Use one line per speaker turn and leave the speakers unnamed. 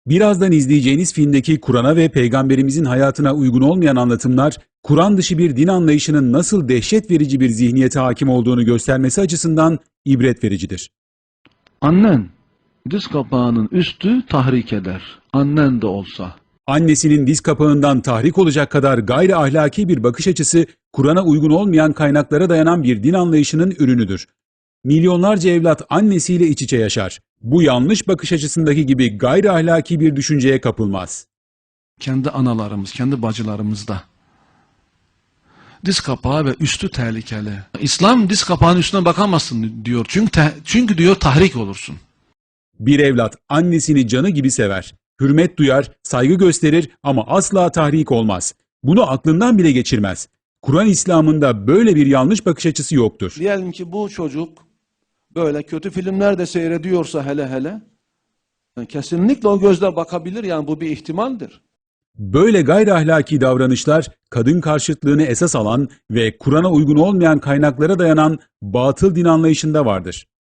Birazdan izleyeceğiniz filmdeki Kur'an'a ve Peygamberimizin hayatına uygun olmayan anlatımlar, Kur'an dışı bir din anlayışının nasıl dehşet verici bir zihniyete hakim olduğunu göstermesi açısından ibret vericidir.
Annen diz kapağının üstü tahrik eder. Annen de olsa.
Annesinin diz kapağından tahrik olacak kadar gayri ahlaki bir bakış açısı, Kur'an'a uygun olmayan kaynaklara dayanan bir din anlayışının ürünüdür. Milyonlarca evlat annesiyle iç içe yaşar. Bu yanlış bakış açısındaki gibi gayri ahlaki bir düşünceye kapılmaz.
Kendi analarımız, kendi bacılarımız da. Diz kapağı ve üstü tehlikeli. İslam diz kapağının üstüne bakamazsın diyor. Çünkü diyor tahrik olursun.
Bir evlat annesini canı gibi sever. Hürmet duyar, saygı gösterir ama asla tahrik olmaz. Bunu aklından bile geçirmez. Kur'an İslam'ında böyle bir yanlış bakış açısı yoktur.
Diyelim ki bu çocuk böyle kötü filmler de seyrediyorsa hele kesinlikle o gözle bakabilir, yani bu bir ihtimaldir.
Böyle gayri ahlaki davranışlar, kadın karşıtlığını esas alan ve Kur'an'a uygun olmayan kaynaklara dayanan batıl din anlayışında vardır.